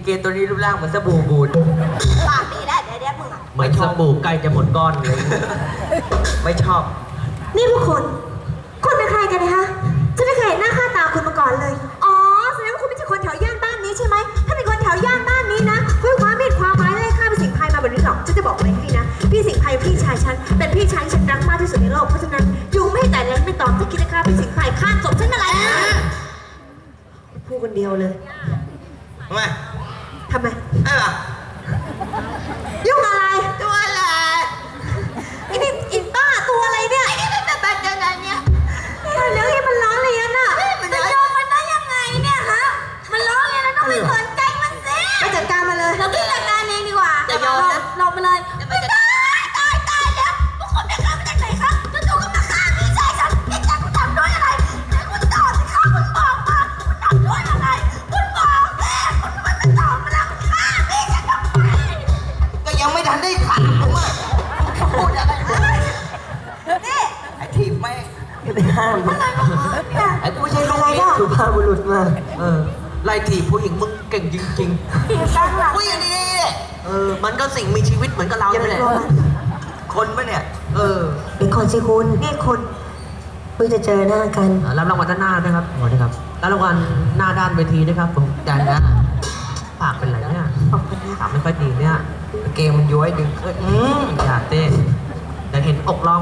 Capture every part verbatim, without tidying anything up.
เกตัวนี้รูปร่างเหมือนสบู่บูดปากดีได้เดี๋ยวเดี๋ยวมึงอ่ะเหมือนสบู่ใกล้จะหมดก้อนเลยไม่ชอบนี่พวกคุณคุณเป็นใครกันนะคะฉันไม่เคยเห็นหน้าค่าตาคุณมาก่อนเลยอ๋อแสดงว่าคุณไม่ใช่คนแถวย่านบ้านนี้ใช่ไหมถ้าเป็นคนแถวย่านบ้านนี้นะคุณความมีดความหมายไล่ฆ่าพี่สิงห์ไพรมาแบบนี้หรอกฉันจะบอกอะไรให้นะพี่สิงห์ไพรพี่ชายฉันเป็นพี่ชายฉันรักมากที่สุดในโลกเพราะฉะนั้นอยู่ไม่แต่เล็กไม่ตอมถ้าคิดจะฆ่าพี่สิงห์ไพรฆ่าศพฉันอะไรพูดคนเดียวเลยทำไมทำไมไอ้ล่ะยุ่งอะไรตัวอะไรไอ้นี่อินป้าตัวอะไรเนี่ยไอ้นี่เป็นแบบแบบยังไงเนี่ยเรื่องนี้มันล้อเลียนอ่ะมันจะยอมมันได้ยังไงเนี่ยฮะมันล้อเลียนแล้วต้องไปสนใจมันสิไปจัดการมาเลยเราคิดจัดการเองดีกว่าอย่ายอมนะลงไปเลยไม่ตายตายตายแล้วพวกคุณได้ฆ่ามาจากไหนครับจู่ๆก็มาฆ่าพี่ชายฉันพี่ชายคุณทำด้วยอะไรคุณตอบสิครับคุณบอกมาคุณทำด้วยอะไรคุณบอกแม่คุณมันไม่ตอบมาแล้วฆ่าพี่ชายทำไมก็ยังไม่ทันได้ถามผมอ่ะพูดอะไรนี่ไอ้ทีบไม่ไปห้ามไอ้กูไม่ใช่ลูกนี่สุภาพบุรุษมากเออไล่ถีบผู้หญิงมึงเก่งจริงๆถีบตั้งหลังผู้หญิงนี่เออมันก็สิ่งมีชีวิตเหมือนกับเราเนี่ยแหละคนปะเนี่ยเออเป็นคนสิคุณนี่คนเพิ่งจะเจอหน้ากันรับรางวัลด้านหน้าด้วยครับขอบคุณครับรับรางวัลหน้าด้านเวทีด้วยครับผมจานนะปากเป็นไรเนี่ยปากไม่ค่อยดีเนี่ยเกมมันย้อยดึงขึ้นอยากเต้นแต่เห็นอกล่อง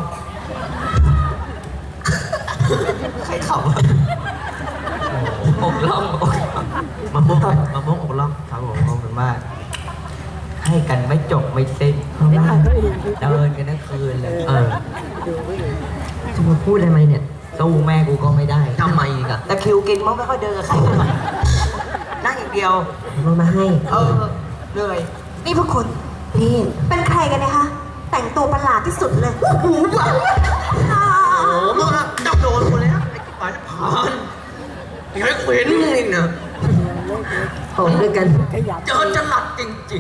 ใครเข่าอกล่องมะม่วงมะม่วงอกล่องครับผมขอบคุณมากให้กันไม่จบไม่สิ้นเดินกันทั้งคืนเลยเออจะมาพูดอะไรเนี่ยสู้แม่กูก็ไม่ได้ทำไมอีกอะแต่คิวกินมันไม่ค่อยเดินกับใครเลยนั่งอย่างเดียวมามาให้เออเหนื่อยนี่พวกคุณนี่เป็นใครกันนะคะแต่งตัวประหลาดที่สุดเลยโอ้โหโอ้โหมึงอะจับโดนกูแล้วไอ้ปานผ่านยังไงกูเห็นมึงอีกนะโหด้วยกันเจอจะหลัดจริง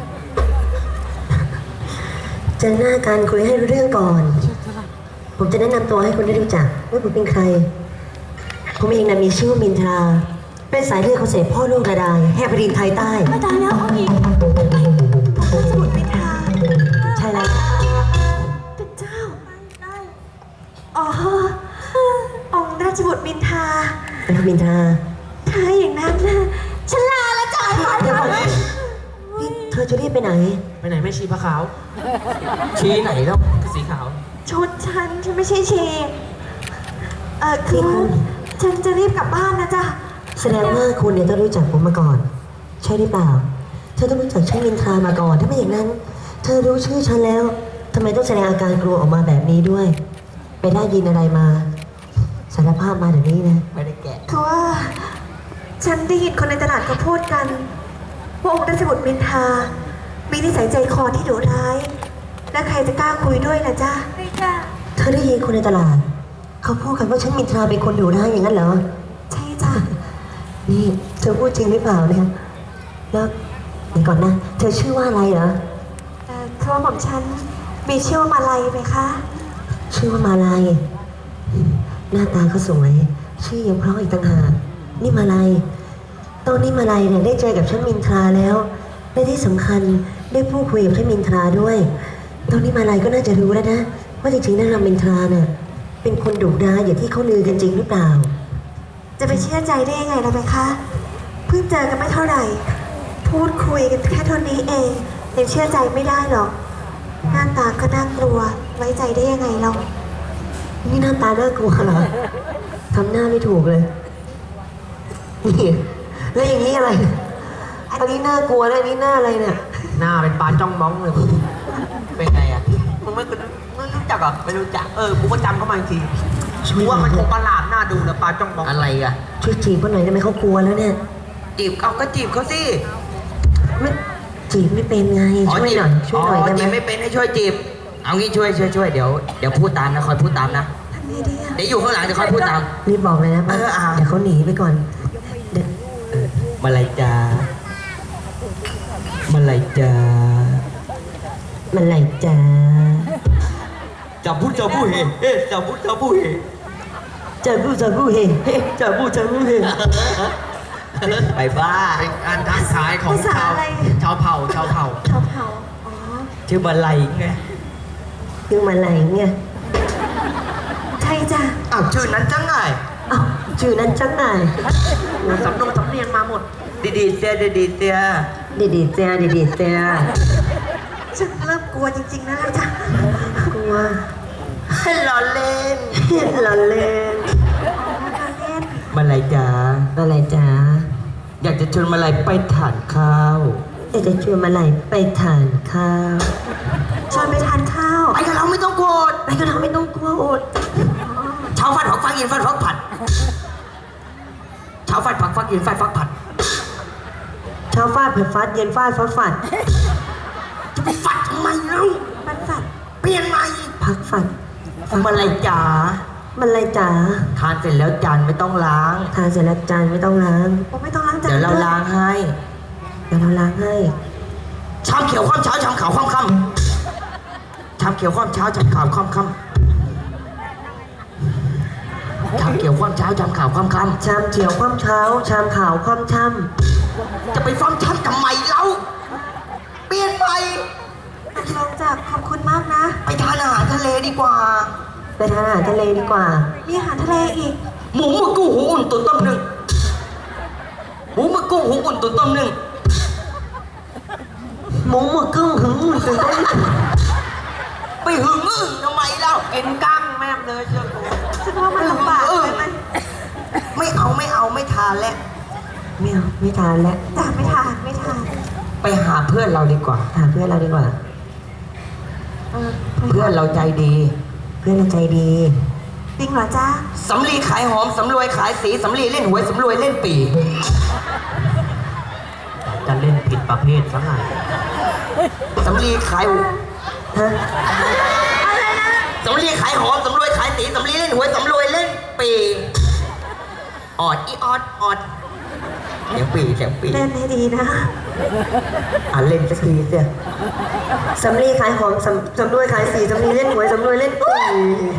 ๆเจอหน้ากันคุยให้รู้เรื่องก่อนผมจะแนะนำตัวให้คุณได้รู้จักว่าผมเป็นใครผมเองนะมีชื่อว่ามินทราเป็นสายเลือดของเสด็จพ่อลูกกระดายแห่งแผ่นดินไทยใต้ไม่ตายแล้วองค์หญิงสมุทรมินทราใช่แล้วเป็นเจ้าอ๋อองค์ราชบุตรมินทราเป็นมินทราถ้าอย่างนั้นนะฉันลาละจ้ะเดี๋ยวก่อนนี่เธอจะรีบไปไหนไปไหนไม่ชี้พระขาวชี้ไหนแล้วสีขาวชุดฉันฉันไม่ใช่ชีเออคือฉันจะรีบกลับบ้านนะจ๊ะแสดงว่าคุณเนี่ยต้องรู้จักผมมาก่อนใช่หรือเปล่าเธอต้องรู้จักชื่อมินทรามาก่อนถ้าไม่อย่างนั้นเธอรู้ชื่อฉันแล้วทำไมต้องแสดงอาการกลัวออกมาแบบนี้ด้วยไปได้ยินอะไรมาสารภาพมาเดี๋ยวนี้นะไม่ได้แกะคือว่าฉันได้ยินคนในตลาดเขาพูดกันว่าองค์ราชบุตรมินทรามีนิสัยใจคอที่ดุร้ายและใครจะกล้าคุยด้วยล่ะจ๊ะไม่จ้ะเธอได้ยินคนในตลาดเขาพูดกันว่าฉันมินทราเป็นคนดุร้ายอย่างนั้นเหรอใช่จ้ะนี่เธอพูดจริงหรือเปล่าเนี่ยแล้วเดี๋ยวก่อนนะเธอชื่อว่าอะไรเหรอเออคือว่าผมฉันมีชื่อว่ามาลัยไหมคะชื่อว่ามาลัยหน้าตาเขาสวยชื่อยังเพราะอีกต่างหากนี่มาลัยตอนนี้มาลัยเนี่ยได้เจอกับฉันมินทราแล้วและที่สำคัญได้พูดคุยกับฉันมินทราด้วยตอนนี้มาลัยก็น่าจะรู้แล้วนะว่าจริงๆนั่นเรามินทราเนี่ยเป็นคนดุร้ายอย่างที่เขาลือกันจริงหรือเปล่าจะไปเชื่อใจได้ยังไงล่ะไหมคะเพิ่งเจอกันไม่เท่าไหร่พูดคุยกันแค่เท่านี้เองยังเชื่อใจไม่ได้หรอกหน้าตาก็น่ากลัวไว้ใจได้ยังไงเรานี่หน้าตาน่ากลัวเหรอทำหน้าไม่ถูกเลยนี่แล้วอย่างนี้อะไรอันนี้น่ากลัวแล้วอันนี้หน้าอะไรเนี่ยหน้าเป็นปลาจ้องมองเลยเป็นไงอ่ะมึงไม่ไม่รู้จักเหรอไม่รู้จักเออกูก็จำเข้ามาอีกทีชัวร์มันคงประหลาดหน้าดูนะปลาจ้องมองอะไรอ่ะช่วยจีบเขาหน่อยได้ไหมเขากลัวแล้วเนี่ยจีบเขาก็จีบเขาสิไม่จีบไม่เป็นไงช่วยหน่อยช่วยหน่อยได้ไหมจีบไม่เป็นให้ช่วยจีบเอางี้ช่วยช่วยช่วยเดี๋ยวเดี๋ยวพูดตามนะคอยพูดตามนะเดี๋ยวอยู่ข้างหลังจะคอยพูดตามรีบบอกเลยนะเดี๋ยวเขาหนีไปก่อนมาลายจ้ามาลายจ้ามาลายจ้าจับพูดจับพูดเฮเอ๊ะจับพูดจับพูดเฮจับพูดจับพูดเฮเฮ้จับพูดจับพูดเฮไปบ้าเป็นการทักทายของภาษาชาวอะไรชาวเผ่าชาวเผ่าชาวเผ่าอ๋อชื่อมาลัยไงคือมาไหลเนี่ยใช่จ้ะอ้าวชื่อนั้นจังไงเอ้าชื่อนั้นจังไงโอ้สำนงสำเนียงมาหมดดีดีๆเสียดีดีๆเสียดีดีเจียดีดีเจียฉันเริ่มกลัวจริงๆนะล่ะจ้ะกลัวให้รอเล่นละเล่นการเล่นมาลัยจ๋าอะไรจ๊ะอยากจะชวนมาลัยไปทานข้าวอยากจะชวนมาไหลไปทานข้าวชวนไปทานข้าวไปกับเราไม่ต้องโกรธไปกับเราไม่ต้องกลัวอดเช้าฟัดผักฟักเย็นฟัดฟักผัดเช้าฟัดผักฟักเย็นฟัดฟักผัดเช้าฟาดเผ็ดฟาดเย็นฟาดฟัดฟัดจะไปฟัดทำไมเล่ามันสัตว์เปลี่ยนใหม่พักฟัดมาลัยจ๋ามันอะไรจ๋าทานเสร็จแล้วจานไม่ต้องล้างทานเสร็จแล้วจานไม่ต้องล้างผมไม่ต้องล้างจานเดี๋ยวเราด้วยล้างให้เดี๋ยวเราล้างให้ชามเขียวข้ามเช้าชามขาวข้ามค่ำชามเขียวข้ามเช้าชามขาวข้ามค่ำชามเขียวข้ามเช้าชามขาวข้ามค่ชามเขียวคว่ำเช้า ชามขาวคว่ำช่ำจะไปฟังช้ำทำไมเล่าเปลี่ยนไปตกลงจ้ะขอบคุณมากนะไปทานอาหารทะเลดีกว่าำไปทานอาหารทะเลดีกว่ามีอาหารทะเลอีกหมูหมึกกุ้งหูอุ่นตุ๋นต้มหนึ่งหมูหมึกกุ้งหูอุ่นตุ๋นต้มหนึ่งหมูหมึกกุ้งหึงตื่นเต้นไปหึงอึ่งทำไมเล่ากินกั้งแม่มเลยเชียวฉันว่ามันลำบากไปมันไม่เอาไม่เอาไม่ทานแล้วไม่เอาไม่ทานแล้วจ้ะไม่ทานไม่ทานไปหาเพื่อนเราดีกว่าหาเพื่อนเราดีกว่าเออเพื่อนเราใจดีเพื่อนเราใจดีจริงเหรอจ๊ะสำลีขายหอมสำรวยขายสีสำลีเล่นหวยสำรวยเล่นปีจะเล่นผิดประเภทซะหน่อยสำลีขายฮะสำลีขายหอมสำรวยขายสีสำลีเล่นหวยสำรวยเล่นปีออดอีออดออดเสียงปีเสียงปีเล่นให้ดีนะอ่ะเล่นสักทีเสียสำลีขายหอมสำสำรวยขายสีสำลีเล่นหวยสำรวยเล่นปุ๋ย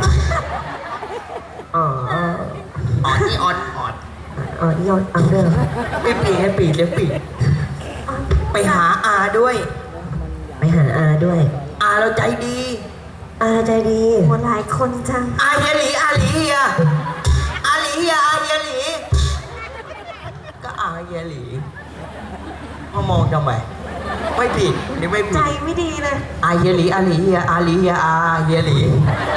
อ๋ออ๋อออดอีออดออดอ๋อยอดเอาเรื่องไม่ปีให้ปีเสียงปีไปหาอาด้วยไปหาอาด้วยอาเราใจดีอาใจดีโหหลายคนจังอาเฮียหลีอาหลีเฮียอาหลีเฮียอาเฮียหลีก็อาเฮียหลีมามองทำไมไม่ผิดนี่ไม่ผิใจดไม่ดีเลยอาเฮียหลีอาหลีเฮียอาหลีเฮียอาเฮียหลี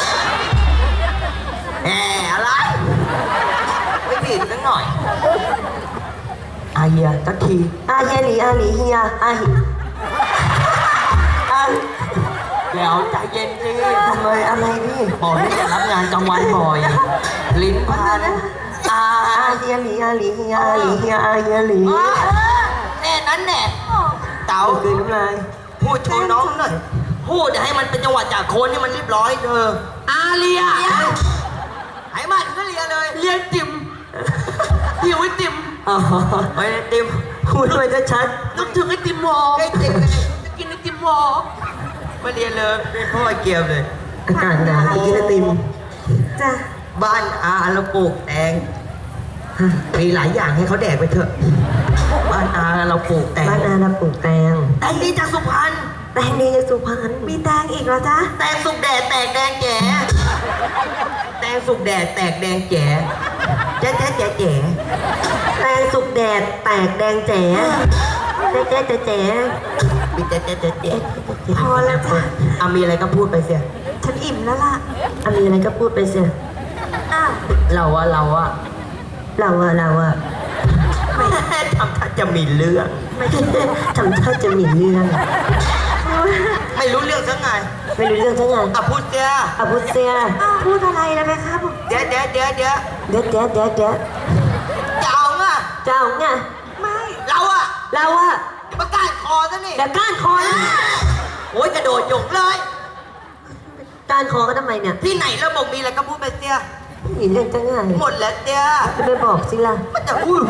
แหมอะไรไม่ผิดสักหน่อยอาเฮียสักทีอาเฮียหลีอาหลีเฮียอาหิอาเดี๋ยวใจเย็นสิทำไมอะไรนี่บอกให้จะรับงานกลางวันบ่อย ลิ้นพันอาอาเฮียหลีอาหลีเฮียอาหลีเฮียอาเฮียหลีแน่นั้นแน่เต๋าเอาคืนน้ำลายพูดชวนน้องหน่อยพูดให้มันเป็นจังหวะจากโคนให้มันเรียบร้อยเธออาเลียให้มันก็เลียเลยเลียติ่มหิวไอติ่มอ๋อไปไอติ่มพูดด้วยจะชัดนึกถึงไอติมหมอไอติมไงจะกินไอติมหมอมาเรียนเลยเป็นพ่อไอเกียวเลยอากาศหนาวกินไอติมจ้ะบ้านอาเราปลูกแตงมีหลายอย่างให้เขาแดกไปเถอะ บ้านอาเราปลูกแตงบ้านอาเราปลูกแตงแตงดีจากสุพรรณแตงดีจากสุพรรณมีแตงอีกเหรอจ๊ะแตงสุกแดดแตกแดงแจ๋แตงสุกแดดแตกแดงแจ๋แจ๊ะแจ๊ะแจ๋แจ๋แตงสุกแดดแตกแดงแจ๋แจ๊ะแจ๊ะแจ๊ะแจ๋มีแจ๊ะแจ๊ะแจ๊ะแจ๋พอแล้วจ้ะอ่ะมีอะไรก็พูดไปเสียฉันอิ่มแล้วล่ะอะมีอะไรก็พูดไปเสียอ้าวเราอะเราอะเราอะเราอะทำท่าจะมีเรื่องทำท่าจะมีเรื่องไม่รู้เรื่องสักไงไม่รู้เรื่องทั้งนั้นอ่ะพูดเสียอาบุเซียอ้าวพูดอะไรนะแม่ครับผมเดี๋ยวเดี๋ยวเดี๋ยวเดี๋ยวเด็ดเด็ดเด็ดเด็ดจะเอาไงเจ้าไงไม่เราอะเราอะประกาศคอซะนี่เดี๋ยวก้านคอนะโอ้ยกระโดดหยกเลยก้านคอก็ทำไมเนี่ยที่ไหนเราบอกมีอะไรก็พูดไปเสียมีเรื่องจังไงหมดแล้วเสียจะไปบอกสิล่ะมันจะพูด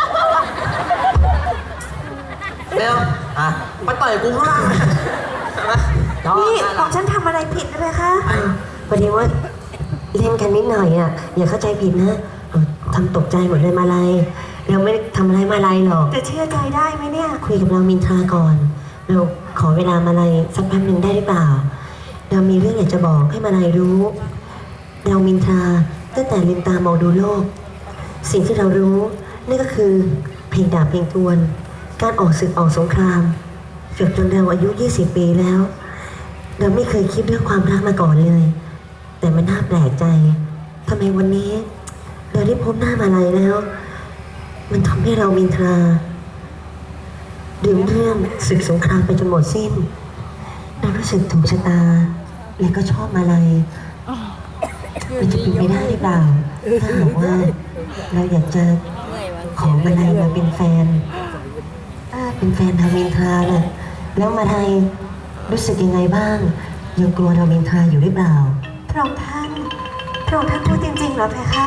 เร็วอ่ะมาต่อยกูข้างล่างใช่ไหมนี่ของฉันทำอะไรผิดนะแม่คะพอดีว่าเล่นกันนิดหน่อยอ่ะอย่าเข้าใจผิดนะเออทำตกใจหมดเลยมาลัยเราไม่ได้ทำอะไรมาลัยหรอกจะเชื่อใจได้ไหมเนี่ยคุยกับเรามินทราก่อน เราขอเวลามาลัยสักแป๊บหนึ่งได้หรือเปล่า เรามีเรื่องอยากจะบอกให้มาลัยรู้ เรามินทราตั้งแต่ลืมตามองดูโลก สิ่งที่เรารู้นั่นก็คือเพลงดาบเพลงทวน การออกศึกออกสงครามจนจนเราอายุยี่สิบปีแล้ว เราไม่เคยคิดเรื่องความรักมาก่อนเลย แต่มันน่าแปลกใจทำไมวันนี้ เราได้พบหน้ามาลัยแล้ว มันทำให้เรามินทราลืมเรื่องศึกสงครามไปจนหมดสิ้น เรารู้สึกถูกชะตา และก็ชอบมาลัยมันจะเป็นไปได้หรือเปล่าถ้าหากว่า เราอยากจะขอมาลัยมาเป็นแฟนเป็นแฟนเรามินทราน่ะแล้วมาลัยรู้สึกยังไงบ้างยังกลัวเรามินทราอยู่หรือเปล่าพระองค์ท่าน พระองค์ท่านพูดจริงๆเหรอเพคะ